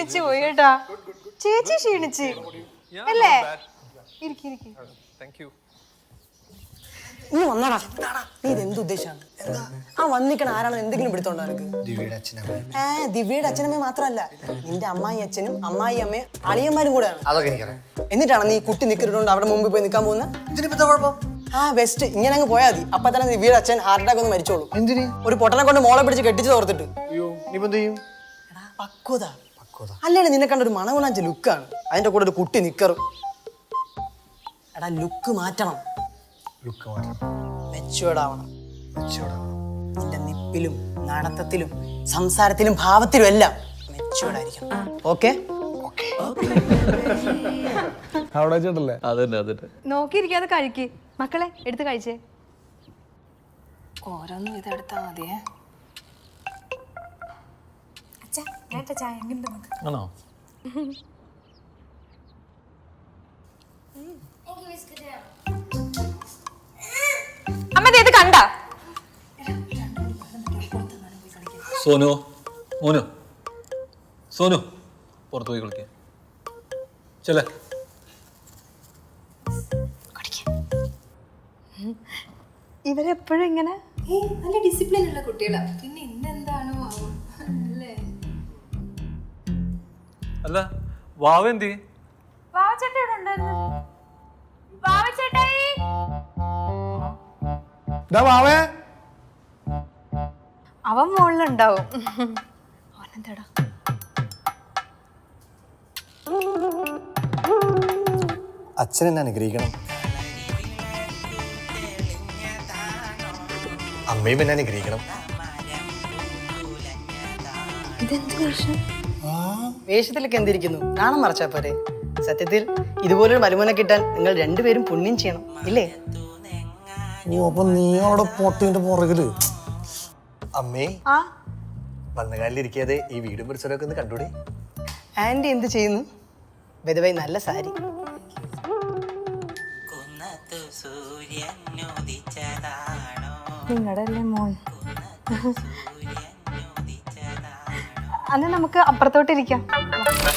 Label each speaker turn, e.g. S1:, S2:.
S1: ക്ഷീണിച്ചു പോയി കേട്ടാ. ചേച്ചി ക്ഷീണിച്ച് അല്ലേ?
S2: നീ വന്നടാ. നീ ഇതെന്ത് ഉദ്ദേശമാണ്? ആ വന്നിക്കണ ആരാണോ എന്തെങ്കിലും പിടുത്തോണ്ടോ നിനക്ക്? ദിവ്യയുടെ അച്ഛനമ്മ മാത്രല്ല, നിന്റെ അമ്മായി അച്ഛനും അമ്മായി അമ്മയും അളിയന്മാരും കൂടെയാണ്. എന്നിട്ടാണ് നീ കുട്ടി നിൽക്കിട്ടുണ്ട് അവിടെ മുമ്പിൽ പോയി നിൽക്കാൻ പോകുന്നത്? ആ ബെസ്റ്റ്. ഇങ്ങനെ അങ്ങ് പോയാൽ മതി. അപ്പൊ തന്നെ ദിവ്യയുടെ അച്ഛൻ ഹാർട്ട് അറ്റാക്ക് ഒന്ന് മരിച്ചോളൂ. എന്തിന്? ഒരു പൊട്ടനെ കൊണ്ട് മോളെ പിടിച്ച് കെട്ടിച്ച് തോർത്തിട്ട്. പക്വത അല്ലേ? നിന്നെ കണ്ടൊരു മണകുണാഞ്ച ലുക്കാണ്. അതിന്റെ കൂടെ ഒരു കുട്ടി നിക്കറും. എടാ ലുക്ക് മാറ്റണം. മെച്ചുവേർഡ് ആവണം. നിന്റെ നിപ്പിലും നടത്തത്തിലും സംസാരത്തിലും ഭാവത്തിലും എല്ലാം മെച്ചുവേർഡ് ആയിരിക്കണം. ഓക്കെ?
S1: നോക്കിയിരിക്കാതെ കഴിക്ക് മക്കളെ. എടുത്ത് കഴിച്ചേ.
S3: ഓരോന്നും ഇതെടുത്താ മതിയേ.
S4: ആണോ?
S1: അമ്മ ഇത് കണ്ട?
S4: സോനു മോനു സോനു പുറത്തു പോയി കളിക്കാൻ ചെല്ലേ.
S1: ഇവരെപ്പോഴും ഇങ്ങനെ
S3: നല്ല ഡിസിപ്ലിൻ ഉള്ള കുട്ടികളാ. പിന്നെ ഇന്നെന്താണോ അല്ലേ?
S4: അല്ല വാവ എന്തി?
S1: അവൻ മുകളിലുണ്ടാവും. അവനെന്താടാ?
S5: അച്ഛൻ എന്നെ അനുഗ്രഹിക്കണം. അമ്മയും എന്നെ അനുഗ്രഹിക്കണം.
S2: വേഷത്തിലൊക്കെ എന്തിരിക്കുന്നു? നാണം മറച്ചാ പോരെ. സത്യത്തിൽ ഇതുപോലൊരു മരുമോനെ കിട്ടാൻ നിങ്ങൾ രണ്ടുപേരും പുണ്യം ചെയ്യണം ഇല്ലേ?
S5: അപ്പൊ നീ അവിടെ പൊട്ടിന്റെ പുറകില്. അമ്മേ, വന്നകാലിലിരിക്കാതെ ഈ വീടും പരിസരമൊക്കെ ഒന്ന് കണ്ടൂടെ?
S2: ആന്റി എന്ത് ചെയ്യുന്നു? ബെദവൈ നല്ല സാരി.
S1: നിങ്ങളുടെ അല്ലേ മോൻ? അന്ന് നമുക്ക് അപ്പുറത്തോട്ടിരിക്കാം.